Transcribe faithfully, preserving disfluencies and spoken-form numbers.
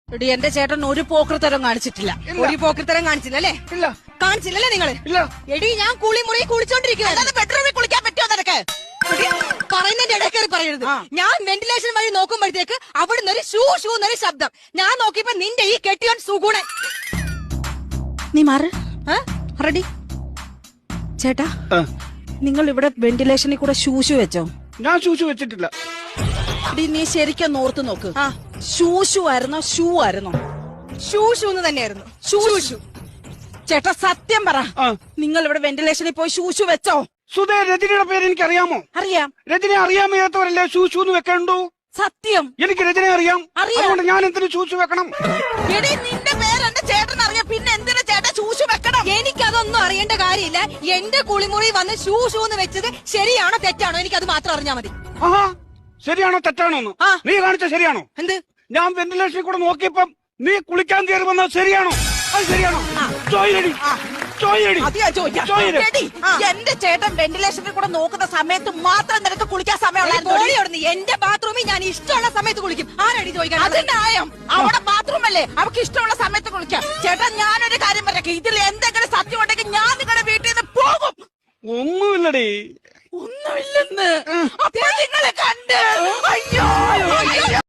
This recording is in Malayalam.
എടി എന്റെ ചേട്ടൻ ഒരു പോക്കൃത്തരം കാണിച്ചിട്ടില്ല. ഒരു പോക്കൃത്തരം കാണിച്ചില്ലല്ലേ? ഇല്ല. കാണിച്ചില്ലല്ലേ നിങ്ങള്? ഇല്ല. എടി ഞാൻ കുളി മുറി കുളിച്ചോണ്ടിരിക്കുന്നത്. ബെഡ്റൂമിൽ കുളിക്കാൻ പറ്റുമോ നിനക്ക്? പറയുന്നതിന്റെ ഇടയ്ക്കറി പറയരുത്. ഞാൻ വെന്റിലേഷൻ വഴി നോക്കുമ്പോഴത്തേക്ക് അവിടുന്ന് ഒരു ഷൂ ഷൂ എന്നൊരു ശബ്ദം. ഞാൻ നോക്കിയപ്പോ നിന്റെ ഈ കെട്ടിയോൻ സുഗുണൻ. നീ മാറ്. റെഡി ചേട്ടാ, നിങ്ങൾ ഇവിടെ വെന്റിലേഷനിൽ കൂടെ ഷൂഷു വെച്ചോ? ഞാൻ ഷൂഷു വെച്ചിട്ടില്ല. എടി നീ ശരിക്കും ഓർത്ത് നോക്ക്. ഷൂഷു ആയിരുന്നോ ഷൂ ആയിരുന്നോ? ഷൂ ഷൂ എന്ന് തന്നെയായിരുന്നു. ഷൂഷു. ചേട്ടാ സത്യം പറ, നിങ്ങൾ ഇവിടെ വെന്റിലേഷനിൽ പോയി ഷൂഷു വെച്ചോ? സുധേ, രജനിയുടെ പേര് എനിക്ക് അറിയാമോ? അറിയാം. രജനെ അറിയാൻ വയ്യാത്തവരല്ലേ ഷൂഷു എന്ന് വെക്കണ്ടു? സത്യം. എനിക്ക് രജനെ അറിയാം. അതുകൊണ്ട് ഞാൻ എന്തിനു ഷൂഷു വെക്കണം? എടി നിന്റെ പേര് എന്റെ ചേട്ടൻ അറിയാം, പിന്നെ എന്തിനു ചേട്ടൻ ഷൂഷു വെക്കണം? എനിക്കതൊന്നും അറിയേണ്ട കാര്യമില്ല. എന്റെ കുളിമുറി വന്ന് ഷൂ ഷൂ എന്ന് വെച്ചത് ശരിയാണോ തെറ്റാണോ എനിക്കത് മാത്രം അറിഞ്ഞാ മതി. ആഹാ, ശരിയാണോ തെറ്റാണോ എന്ന് നീ കാണിച്ച ശരിയാണോ? എന്ത്? ഞാൻ വെന്റിലേഷനിൽ കൂടെ നോക്കിയപ്പം നീ കുളിക്കാൻ കയറി വന്നത് ശരിയാണോ? അത് ശരിയാണോ? ചോയിലടി, ചോയിലടി. എന്റെ ചേട്ടൻ വെന്റിലേഷനിൽ കൂടെ നോക്കുന്ന സമയത്ത് മാത്രം നിനക്ക് കുളിക്കാൻ സമയമുള്ളൂ. എന്റെ ബാത്റൂമിൽ ഞാൻ ഇഷ്ടമുള്ള സമയത്ത് കുളിക്കും. ആരടി ചോദിക്കാൻ? അത് ന്യായം. അവിടെ ബാത്റൂം അല്ലേ, അവർക്ക് ഇഷ്ടമുള്ള സമയത്ത് കുളിക്കാം. ചേട്ടൻ ഞാനൊരു കാര്യം പറയാം, ഇതിൽ എന്തെങ്കിലും സത്യം ഉണ്ടെങ്കിൽ ഞാൻ നിങ്ങളുടെ വീട്ടിൽ നിന്ന് പോകും. ഒന്നുമില്ലടി. ഒന്നുമില്ലെന്ന് അപ്പൊ നിങ്ങളെ കണ്ട്. അയ്യോ